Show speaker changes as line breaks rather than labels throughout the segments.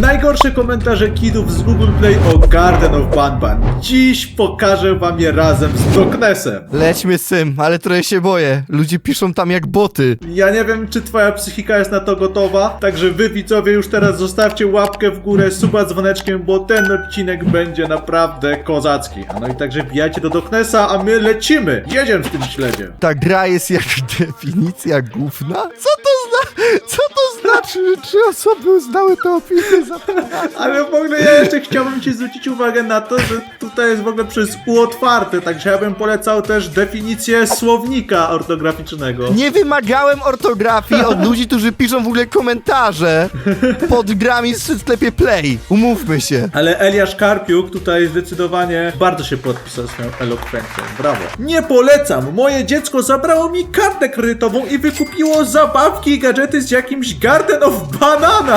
Najgorsze komentarze kidów z Google Play o Garden of Banban. Dziś pokażę wam je razem z Doknesem.
Lećmy z tym, ale trochę się boję. Ludzie piszą tam jak boty.
Ja nie wiem, czy twoja psychika jest na to gotowa, także wy widzowie już teraz zostawcie łapkę w górę, suba dzwoneczkiem, bo ten odcinek będzie naprawdę kozacki. A no i także wbijajcie do Doknesa, a my lecimy. Jedziemy w tym śledzie.
Ta gra jest jak definicja gówna? Co to znaczy, że 3 osoby uznały tę opinię za...
Ale w ogóle ja jeszcze chciałbym ci zwrócić uwagę na to, że tutaj jest w ogóle przez U otwarte, także ja bym polecał też definicję słownika ortograficznego.
Nie wymagałem ortografii od ludzi, którzy piszą w ogóle komentarze pod grami w sklepie Play. Umówmy się.
Ale Eliasz Karpiuk tutaj zdecydowanie bardzo się podpisał swoją elokwencją. Brawo. Nie polecam! Moje dziecko zabrało mi kartę kredytową i wykupiło zabawki i gadżety z jakimś Garden of Banana.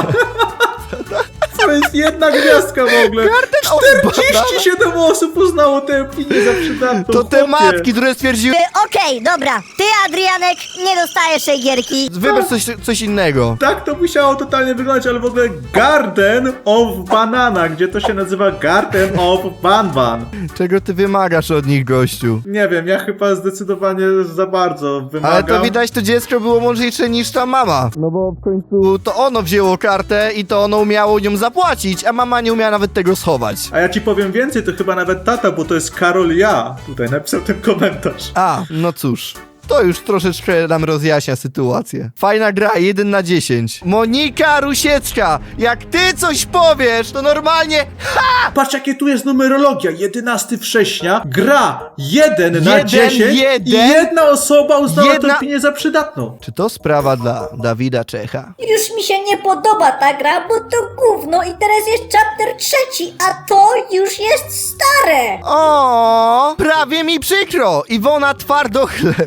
To jest jedna gwiazdka w ogóle.
Garden of
47 osób uznało tę opinię za przydatną.
To te
chłopie.
matki, które stwierdziły...
Okej, dobra. Ty, Adrianek, nie dostajesz tej gierki.
Wybierz coś innego.
Tak to musiało totalnie wyglądać, ale w ogóle Garden of Banana, gdzie to się nazywa Garden of Banban.
Czego ty wymagasz od nich, gościu?
Nie wiem, ja chyba zdecydowanie za bardzo wymagam.
Ale to widać, to dziecko było mądrzejsze niż ta mama. No bo w końcu to ono wzięło kartę i to ono umiało nią zapłacić, a mama nie umiała nawet tego schować.
A ja ci powiem więcej, to chyba nawet tata, bo to jest Karol Ja. Tutaj napisał ten komentarz.
A, no cóż. To już troszeczkę nam rozjaśnia sytuację. Fajna gra, 1 na 10. Monika Rusiecka, jak ty coś powiesz, to normalnie...
Patrz, jakie tu jest numerologia. 11 września. Gra 1 na 10 i jedna osoba uznała tę opinię za przydatną.
Czy to sprawa dla Dawida Czecha?
Już mi się nie podoba ta gra, bo to gówno i teraz jest chapter 3, a to już jest stare.
O, prawie mi przykro. Iwona Twardochleb.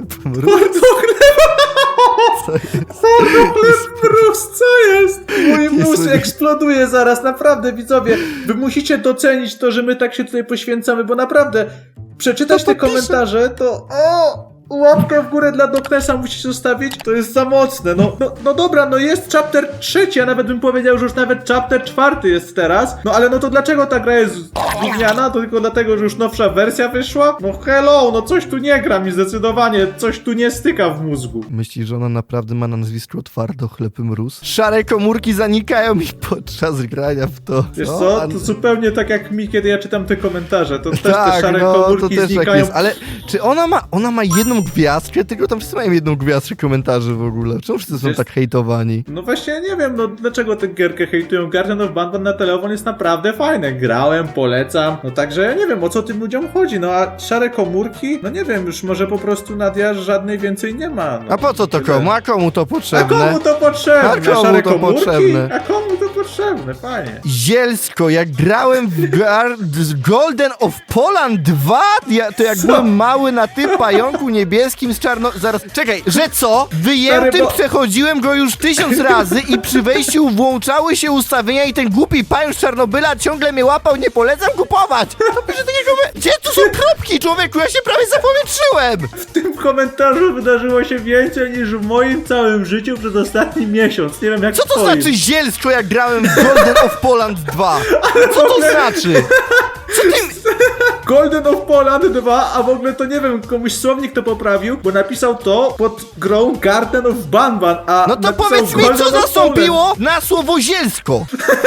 Twardochleb mróz, co jest? Mój mózg
Jezu.
eksploduje zaraz, naprawdę, widzowie. Wy musicie docenić to, że my tak się tutaj poświęcamy, bo naprawdę przeczytać te komentarze, to łapkę w górę dla Doknesa musicie zostawić, to jest za mocne. No dobra, no jest chapter 3, a nawet bym powiedział, że już nawet chapter 4 jest teraz. No ale no to dlaczego ta gra jest gówniana? To tylko dlatego, że już nowsza wersja wyszła? No hello, no coś tu nie gra mi zdecydowanie, coś tu nie styka w mózgu.
Myślisz, że ona naprawdę ma na nazwisko Twardochleb mróz? Szare komórki zanikają mi podczas grania w to.
Wiesz co, to zupełnie tak jak mi, kiedy ja czytam te komentarze, to też te
Tak,
szare
no to
komórki
też tak
znikają.
jest, ale czy ona ma jedną gwiazdkę? Tylko tam wszyscy mają jedną gwiazdkę komentarzy w ogóle. Czemu wszyscy są
Wiesz-
tak hejtowani?
No właśnie, ja nie wiem, no dlaczego tę gierkę hejtują. Garden of Banban na telefon jest naprawdę fajne. Grałem, polecam. No także ja nie wiem, o co tym ludziom chodzi. No a szare komórki? No nie wiem, już może po prostu Nadia żadnej więcej nie ma. No,
A po co to
tyle.
komu? A komu to
A
potrzebne?
komu to potrzebne?
A komu
Szare
to
komórki?
potrzebne?
A komu to potrzebne? Fajnie.
Zielsko, jak grałem w Golden of Poland 2, to jak
Co?
byłem mały na tym pająku niebieskim z czarno... Zaraz, czekaj, że co? Wyjętym
Stary, bo-
przechodziłem go już 1000 razy i przy wejściu włączały się ustawienia i ten głupi pająk z Czarnobyla ciągle mnie łapał, nie polecam kupować! To pisze takiego... Gdzie tu są kropki, człowieku? Ja się prawie zapowietrzyłem!
W tym komentarzu wydarzyło się więcej niż w moim całym życiu przez ostatni miesiąc. Nie wiem jak
Co to
twoim.
znaczy zielsko, jak grałem w Golden of Poland 2? Co to znaczy? Co ty...
Golden of Poland 2, a w ogóle to nie wiem, komuś słownik to poprawił, bo napisał to pod grą Garden of Banban, a
No to
napisał
powiedz mi,
Golden
co
of Poland.
zastąpiło na słowo zielsko?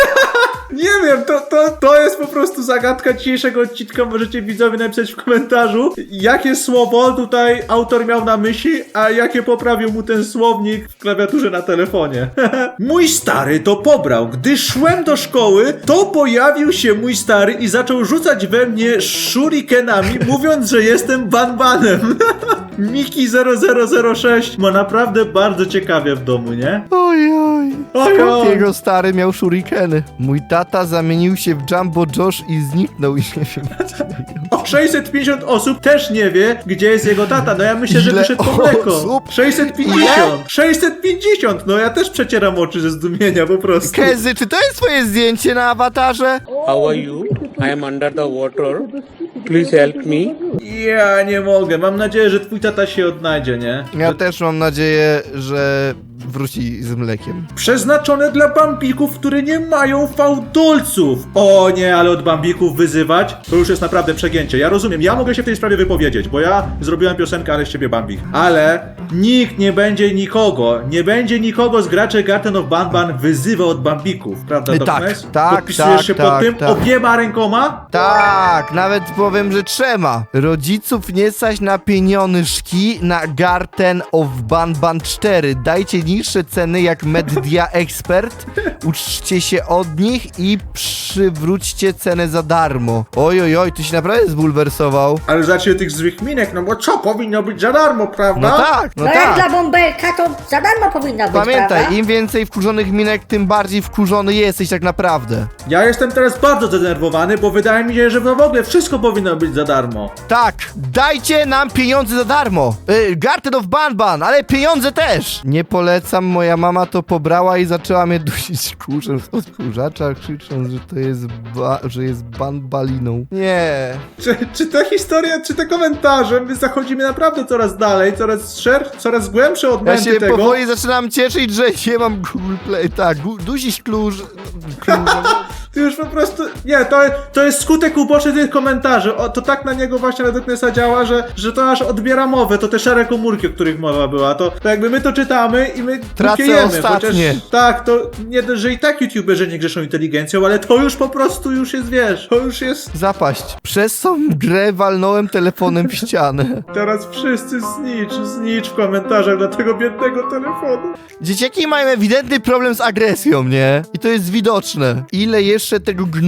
Nie wiem, to jest po prostu zagadka dzisiejszego odcinka, możecie widzowie napisać w komentarzu, jakie słowo tutaj autor miał na myśli, a jakie poprawił mu ten słownik w klawiaturze na telefonie. Mój stary to pobrał. Gdy szłem do szkoły, to pojawił się mój stary i zaczął rzucać we mnie shurikenami, mówiąc, że jestem banbanem. Miki 0006 ma naprawdę bardzo ciekawie w domu, nie?
Oj.
Ojoj.
Jego stary miał shurikeny. Mój tata zamienił się w Jumbo Josh i zniknął i nie wiem
O, 650 osób też nie wie, gdzie jest jego tata. No ja myślę, że
Ile
wyszedł po mleko.
osób?
650! 650! No ja też przecieram oczy ze zdumienia po prostu.
Kezy, czy to jest twoje zdjęcie na awatarze?
How are you? I am under the water. Please help me.
Ja nie mogę. Mam nadzieję, że twój tata się odnajdzie, nie?
Ja też mam nadzieję, że wróci z mlekiem.
Przeznaczone dla bambików, które nie mają fałdolców. O nie, ale od bambików wyzywać, to już jest naprawdę przegięcie. Ja rozumiem, ja mogę się w tej sprawie wypowiedzieć, bo ja zrobiłem piosenkę, ale z ciebie bambik. Ale nikt nie będzie nikogo z graczy Garten of Banban wyzywał od bambików, prawda,
Tak,
Doknes?
tak,
Podpisujesz
tak,
się
tak,
pod tym
tak.
obiema rękoma?
Tak, nawet powiem, że trzema. Rodziców nie stać na pieniążki na Garten of Banban 4. Dajcie niższe ceny jak Media Expert, uczcie się od nich i przywróćcie cenę za darmo. Oj, ty się naprawdę zbulwersował.
Ale zacznij tych złych minek, no bo co, powinno być za darmo, prawda?
No tak, no
No jak
tak.
dla bąbelka, to za darmo powinna być,
Pamiętaj,
prawda?
im więcej wkurzonych minek, tym bardziej wkurzony jesteś tak naprawdę.
Ja jestem teraz bardzo zdenerwowany, bo wydaje mi się, że w ogóle wszystko powinno być za darmo.
Tak, dajcie nam pieniądze za darmo. Garten of Banban, ale pieniądze też. Nie polecam, moja mama to pobrała i zaczęła mnie dusić kurzem z odkurzacza, krzycząc, że to jest że jest banbaliną. Nie.
Czy ta historia, czy te komentarze, my zachodzimy naprawdę coraz dalej, coraz głębsze
Ja
odmęty
się
tego.
powoli zaczynam cieszyć, że nie mam Google Play. Tak, dusić klucz.
Ty już po prostu... Nie, to jest skutek uboczny tych komentarzy. O, to tak na niego właśnie na Doknesa działa, że to aż odbiera mowę. To te szare komórki, o których mowa była. To jakby my to czytamy i my
Tracę
kiejemy,
ostatnie.
tak, to nie dość, że i tak youtuberzy nie grzeszą inteligencją, ale to już po prostu już jest, wiesz, to już jest...
Zapaść. Przez tą grę walnąłem telefonem w ścianę.
Teraz wszyscy znicz w komentarzach dla tego biednego telefonu.
Dzieciaki mają ewidentny problem z agresją, nie? I to jest widoczne. Ile jeszcze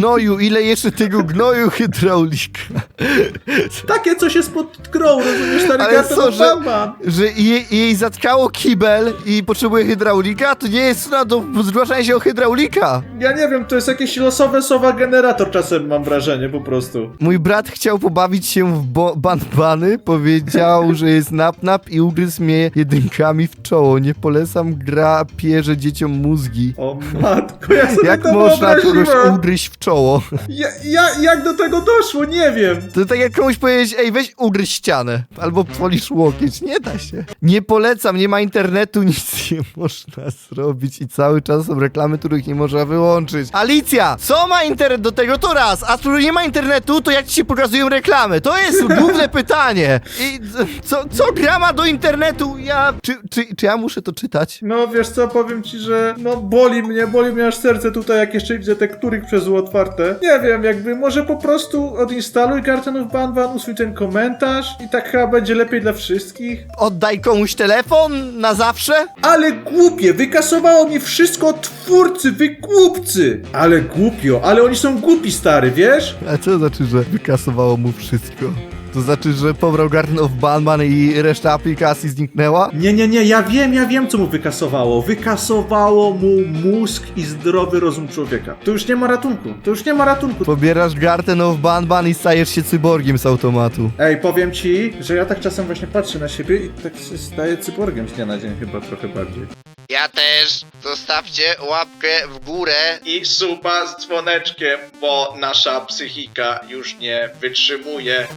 tego gnoju hydraulika.
Takie coś jest pod grą, rozumiesz, stary
Ale
Garten
co,
of
że,
Banban.
że jej zatkało kibel i potrzebuje hydraulika? To nie jest cena do zgłaszania się o hydraulika.
Ja nie wiem, to jest jakiś losowy sowa generator czasem, mam wrażenie, po prostu.
Mój brat chciał pobawić się w banbany, powiedział, że jest nap i ugryzł mnie jedynkami w czoło. Nie polecam, gra pierze dzieciom mózgi.
O matko, ja sobie
Jak
to
można kogoś
wyobraziłem.
ugryźć w czoło?
Jak do tego doszło, nie wiem.
To tak jak komuś powiedzieć, ej, weź ugryź ścianę, albo polisz łokieć, nie da się. Nie polecam, nie ma internetu, nic nie można zrobić i cały czas są reklamy, których nie można wyłączyć. Alicja, co ma internet do tego? To raz, a skoro nie ma internetu, to jak ci się pokazują reklamy? To jest główne pytanie. I co gra ma do internetu? Czy ja muszę to czytać?
No wiesz co, powiem ci, że no boli mnie aż serce tutaj, jak jeszcze widzę te których przez U otwarte. Nie wiem, jakby może po prostu odinstaluj Garten of Banban, usuń ten komentarz i tak chyba będzie lepiej dla wszystkich.
Oddaj komuś telefon na zawsze?
Ale głupie, wykasowało mi wszystko od twórcy, wy głupcy! Ale głupio, ale oni są głupi, stary, wiesz?
A co znaczy, że wykasowało mu wszystko? To znaczy, że pobrał Garten of Banban i reszta aplikacji zniknęła?
Nie, ja wiem, co mu wykasowało. Wykasowało mu mózg i zdrowy rozum człowieka. To już nie ma ratunku.
Pobierasz Garten of Banban i stajesz się cyborgiem z automatu.
Ej, powiem ci, że ja tak czasem właśnie patrzę na siebie i tak się staję cyborgiem z dnia na dzień chyba trochę bardziej.
Ja też. Zostawcie łapkę w górę.
I suba z dzwoneczkiem, bo nasza psychika już nie wytrzymuje.